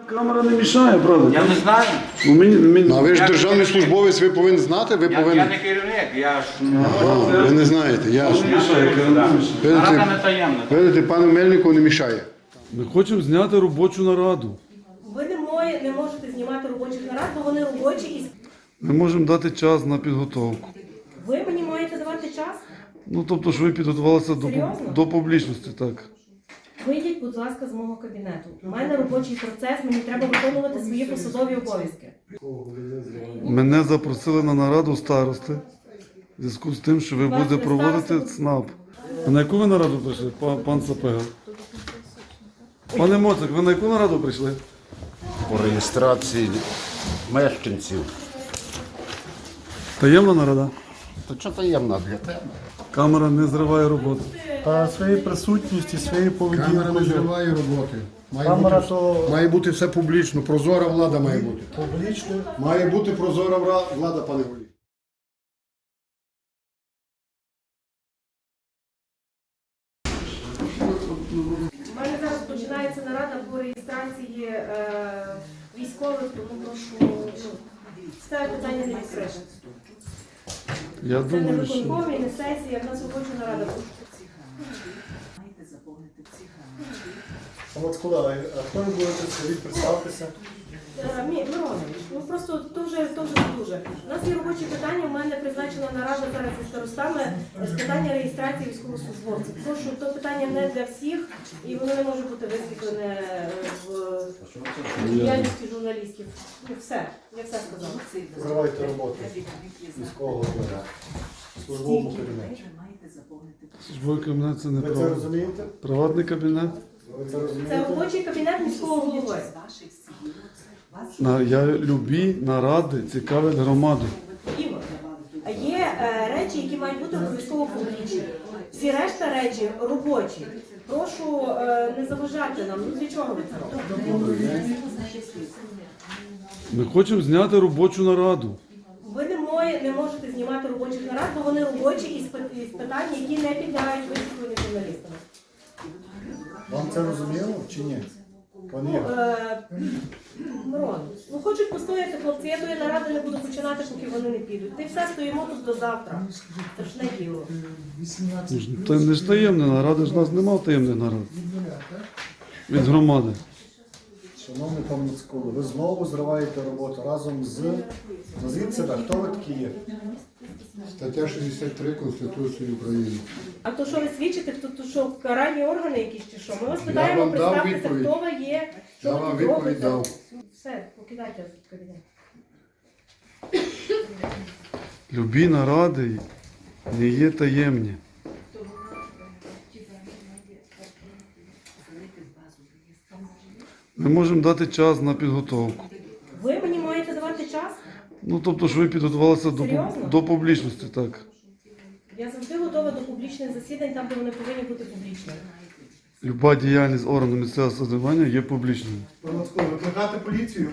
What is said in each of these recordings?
Камера не мішає, правда? Я не знаю. Ну, А ви ж державний службовець, ви повинні знати, ви Я повинні. не керівник, я ж Ви не знаєте, ясно. не мішає, камера не мішає. нарада не таємна. Видите, пану Мельнику не мішає. Ми хочемо зняти робочу нараду. Ви не можете знімати робочих нарад, бо вони робочі і Ми можемо дати час на підготовку. ви мені маєте давати час. Ну, тобто, що ви підготувалися Серйозно? до публічності, так. Вийдіть, будь ласка, з мого кабінету. У мене робочий процес, мені треба виконувати свої посадові обов'язки. Мене запросили на нараду старости в зв'язку з тим, що ви Вас будете не проводити староста? ЦНАП. А на яку ви нараду прийшли, пан Сапега? Пане Моцик, ви на яку нараду прийшли? По реєстрації мешканців. Таємна нарада? То що таємна для тебе? Камера не зриває роботу. Та своєю присутністю, своєю Камера не поведінкою зриває роботи. Камера то- Має бути все публічно, прозора влада має бути. публічно. Має бути прозора влада, пане Голі. У мене зараз починається нарада по реєстрації військових, тому прошу це питання не відкрите. Я Це не думаю, що... виконком і не сесія, в нас робоча нарада. Мацкула, а хто ви будете собі представитися? Миронович, ну просто то вже дуже. У нас є робочі питання, у мене призначена нарада зараз зі старостами з питання реєстрації військовослужбовців. Прошу, то питання не для всіх і воно не може бути висвітлене в діяльності журналістів. Ну все, я все сказала. Проривайте роботу військового голови в службовому кабінеті. Службовий кабінет це не Ви це право. розумієте? Приватний кабінет. Ви це Це розумієте? робочий кабінет міського голови. Я любі наради цікавлять громаду. Ігор, а є речі, які мають бути обов'язково публічні. Всі решта речі робочі. Прошу не заважати нам. Ну для чого ви це робите? Ми хочемо зняти робочу нараду. Ви не можете знімати робочих нарад, бо вони робочі із питань, які не підлягають висвітленню журналістами. Вам це розуміло чи ні? Пані Ігор, Мирон, ну хочуть постояти хлопці, я тої наради не буду починати, поки вони не підуть. Ти все стоїмо тут до завтра. Це ж не діло. Це не ж таємне наради, ж нас немає таємних нарад. Від громади. шановний пан Мацкула, ви знову зриваєте роботу разом з... Назвіть себе, хто ви такі є? Стаття 63 Конституції України. А то що ви свідчите, то що каральні органи якісь чи що? Ми вас Я питаємо, вам дав представтеся, відповідь. хто ви є, що Я ви вам тут відповідь робите. дав. Все, покидайте кабінет. Любі наради не є таємні. Ми можемо дати час на підготовку. Ви мені маєте давати час? Ну, тобто, що ви підготувалися Серйозно? до публічності, так. Я завжди готова до публічних засідань, там, де вони повинні бути публічними. Люба діяльність органу місцевого самоврядування є публічною. Пан Мацкула, викликати поліцію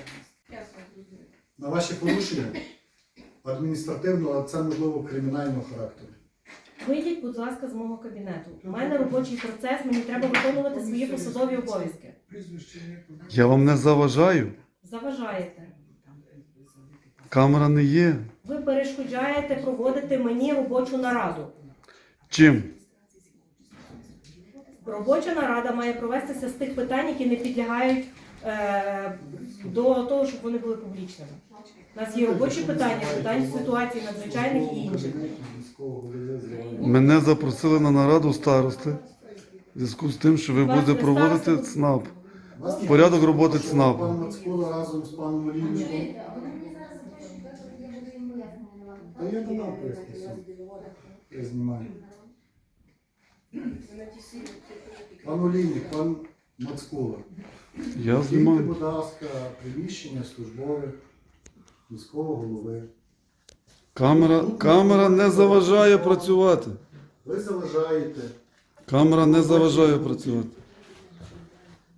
на ваші порушення адміністративного, а це можливо кримінального характеру. Вийдіть, будь ласка, з мого кабінету. У мене робочий процес, мені треба виконувати свої посадові обов'язки. Я вам не заважаю. Заважаєте. Камера не є. Ви перешкоджаєте проводити мені робочу нараду. Чим? Робоча нарада має провестися з тих питань, які не підлягають до того, щоб вони були публічними. У нас є робочі питання, питання ситуації надзвичайних і інших. Мене запросили на нараду старости в зв'язку з тим, що ви Вас будете не проводити староста? ЦНАП. Порядок роботи Пан ЦНАПу. Мацкула разом з паном Олійником. Та я канал пояснюся. Я знімаю. Пан Олійник, пан Мацкула. Я Покиньте, знімаю. будь ласка, приміщення службове міського голови. Камера не заважає працювати. Ви заважаєте Камера не заважає працювати.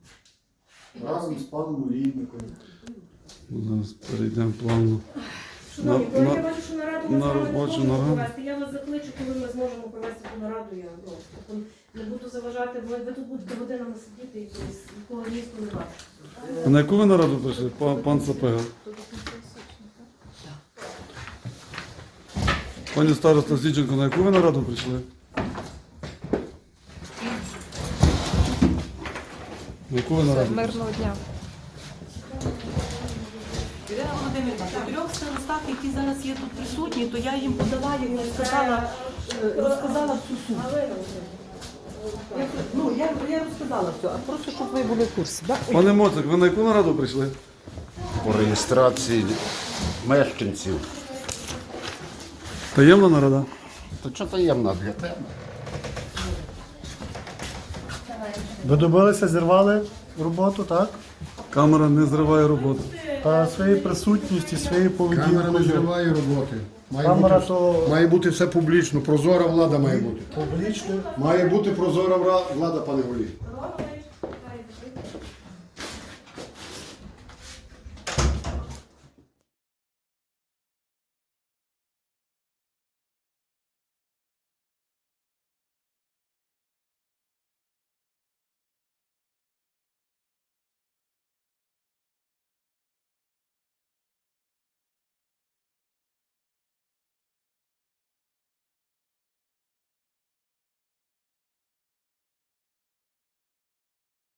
разом з паном Олійником. Зараз перейдемо плавно. Шановні, На- коли на- я бачу, що нараду на ми з вами не робочу зможемо нараду. провести, я вас закличу, коли ми зможемо провести ту нараду. Я не буду заважати, бо ви тут будете годинами сидіти і нікого місту не бачите. А на яку ви нараду прийшли, пан Сапега? Пані староста Січенко, на яку ви нараду прийшли? На яку ви нараду? Мирного дня. Ірина Володимирівна, по трьох старостах, які зараз є тут присутні, то я їм подала, як розказала всю суть. Я розказала все, а просто щоб ви були в курсі. Да? Пане Моцик, ви на яку нараду прийшли? По реєстрації мешканців. Таємна нарада? То що таємна для тебе? Ви добилися, зірвали роботу, так? Камера не зриває роботу. Та своєю присутністю, своєю Камера не поведінкою. зриває роботи. Камера то Має бути все публічно, прозора влада має бути. публічно. Має бути прозора влада, пане Голі. Мирона